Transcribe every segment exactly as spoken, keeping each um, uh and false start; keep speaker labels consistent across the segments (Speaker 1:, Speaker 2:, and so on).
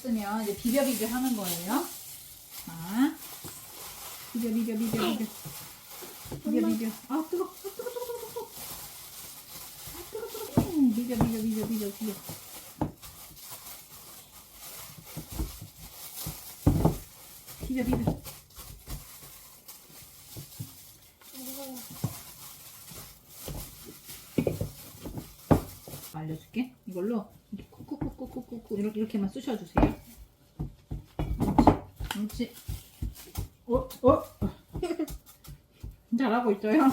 Speaker 1: 됐으면 이제 비벼 비벼 하는 거예요. 자, 비벼 비벼 비벼 비벼 비벼 비벼. 아 뜨거, 아 뜨거, 뜨거, 뜨거, 뜨거. 아 뜨거, 뜨거. 음, 비벼 비벼 비벼 비벼 비벼. 비벼 비벼. 알려줄게. 이걸로 이렇게 쿡쿡쿡쿡쿡쿡 이렇게 이렇게만 쑤셔주세요. 그렇지. 어, 어. 잘하고 있어요.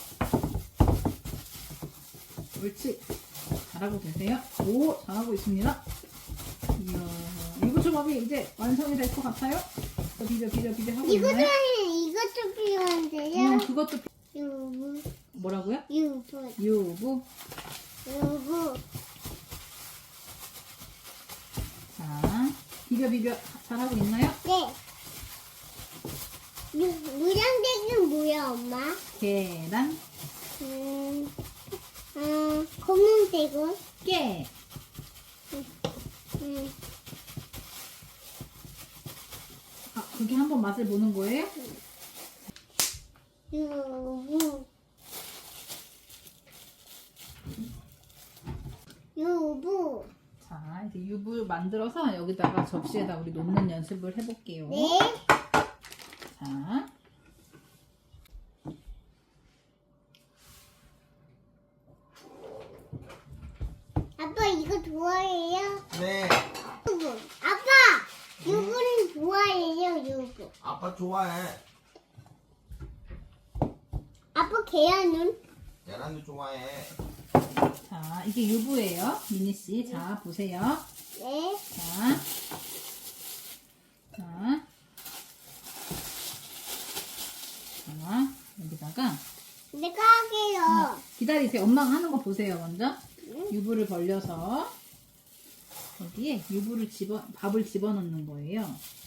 Speaker 1: 옳지. 잘하고 계세요. 오, 잘하고 있습니다. 이야, 유부초밥이 이제 완성이 될 것 같아요. 또 비벼 비벼 비벼 하고
Speaker 2: 이것도
Speaker 1: 있나요?
Speaker 2: 이것도 필요한데요.
Speaker 1: 음, 그것도 비-
Speaker 2: 유부,
Speaker 1: 뭐라고요?
Speaker 2: 유부,
Speaker 1: 유부.
Speaker 2: 유부.
Speaker 1: 자, 비벼 비벼 잘하고 있나요?
Speaker 2: 네. 유, 무량색은 뭐야, 엄마?
Speaker 1: 계란,
Speaker 2: 음, 음, 검은색은?
Speaker 1: 깨.
Speaker 2: 음,
Speaker 1: 아, 그렇게 한번 맛을 보는 거예요?
Speaker 2: 유부. 유부.
Speaker 1: 자, 이제 유부 만들어서 여기다가 접시에다 우리 놓는 연습을 해볼게요.
Speaker 2: 네.
Speaker 1: 자,
Speaker 2: 아빠 이거 좋아해요?
Speaker 3: 네.
Speaker 2: 유부. 아빠! 유부는 좋아해요, 유부.
Speaker 3: 아빠 좋아해.
Speaker 2: 아빠 계란은?
Speaker 3: 계란도 좋아해.
Speaker 1: 자, 이게 유부예요. 미니씨. 자, 보세요.
Speaker 2: 네.
Speaker 1: 자, 자, 자, 여기다가
Speaker 2: 내가 할게요.
Speaker 1: 기다리세요. 엄마가 하는 거 보세요, 먼저.
Speaker 2: 응?
Speaker 1: 유부를 벌려서 여기에 유부를 집어, 밥을 집어넣는 거예요.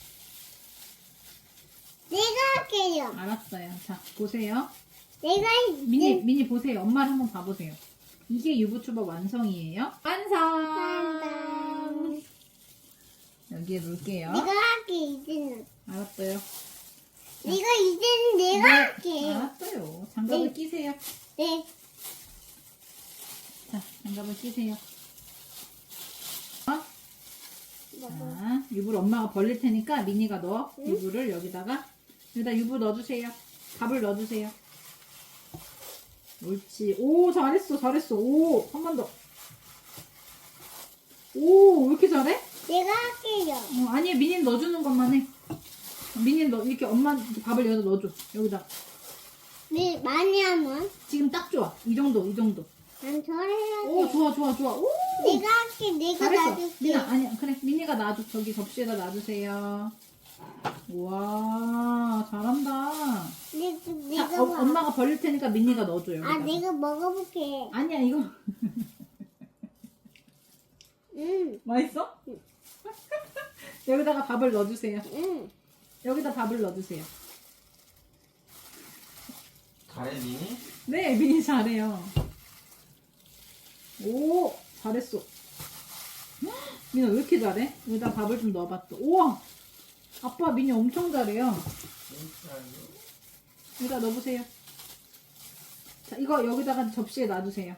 Speaker 2: 내가 할게요.
Speaker 1: 알았어요. 자, 보세요.
Speaker 2: 내가
Speaker 1: 미니,
Speaker 2: 이제
Speaker 1: 미니 보세요. 엄마를 한번 봐보세요. 이게 유부초밥 완성이에요. 완성!
Speaker 2: 한다.
Speaker 1: 여기에 놓을게요.
Speaker 2: 내가 할게 이제는.
Speaker 1: 알았어요.
Speaker 2: 내가 이제는 내가
Speaker 1: 네,
Speaker 2: 할게.
Speaker 1: 알았어요. 장갑을
Speaker 2: 네.
Speaker 1: 끼세요.
Speaker 2: 네.
Speaker 1: 자, 장갑을 끼세요. 어?
Speaker 2: 먹어.
Speaker 1: 자, 유부를 엄마가 벌릴 테니까 미니가 넣어.
Speaker 2: 응?
Speaker 1: 유부를 여기다가 여기다 유부 넣어주세요. 밥을 넣어주세요. 옳지. 오, 잘했어, 잘했어. 오, 한 번 더. 오, 왜 이렇게 잘해?
Speaker 2: 내가 할게요.
Speaker 1: 어, 아니, 미니는 넣어주는 것만 해. 미니는 넣, 이렇게 엄마 밥을 여기다 넣어줘. 여기다.
Speaker 2: 네, 많이 하면
Speaker 1: 지금 딱 좋아. 이 정도, 이 정도.
Speaker 2: 난 저래야지.
Speaker 1: 오, 좋아, 좋아, 좋아. 오!
Speaker 2: 내가 할게. 내가
Speaker 1: 잘했어.
Speaker 2: 놔줄게.
Speaker 1: 미나, 아니, 그래. 미니가 놔줘. 저기 접시에다 놔주세요. 우와, 잘한다.
Speaker 2: 내,
Speaker 1: 자,
Speaker 2: 내가
Speaker 1: 어,
Speaker 2: 봐.
Speaker 1: 엄마가 벌릴 테니까 미니가 넣어줘요.
Speaker 2: 아,
Speaker 1: 여기다가.
Speaker 2: 내가 먹어볼게.
Speaker 1: 아니야, 이거.
Speaker 2: 응,
Speaker 1: 맛있어? 여기다가 밥을 넣어주세요.
Speaker 2: 응.
Speaker 1: 여기다 밥을 넣어주세요.
Speaker 3: 잘해, 미니?
Speaker 1: 네, 미니 잘해요. 오, 잘했어. 헉, 미나 왜 이렇게 잘해? 여기다 밥을 좀 넣어봤어. 우와! 아빠 미니 엄청 잘해요. 여기다 넣어보세요. 자, 이거 여기다가 접시에 놔주세요.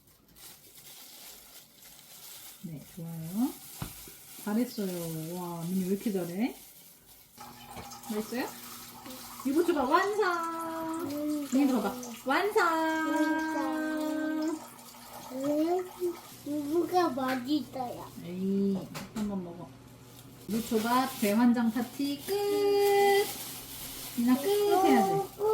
Speaker 1: 네, 좋아요. 잘했어요. 와, 미니 왜 이렇게 잘해? 맛있어요? 유부초밥 완성! 미니 들어봐. 완성!
Speaker 2: 응. 누구가 맛있어요?
Speaker 1: 에이, 한번 먹어. 유부초밥 대환장 파티 끝! 미나 끝 해야지.
Speaker 2: 어,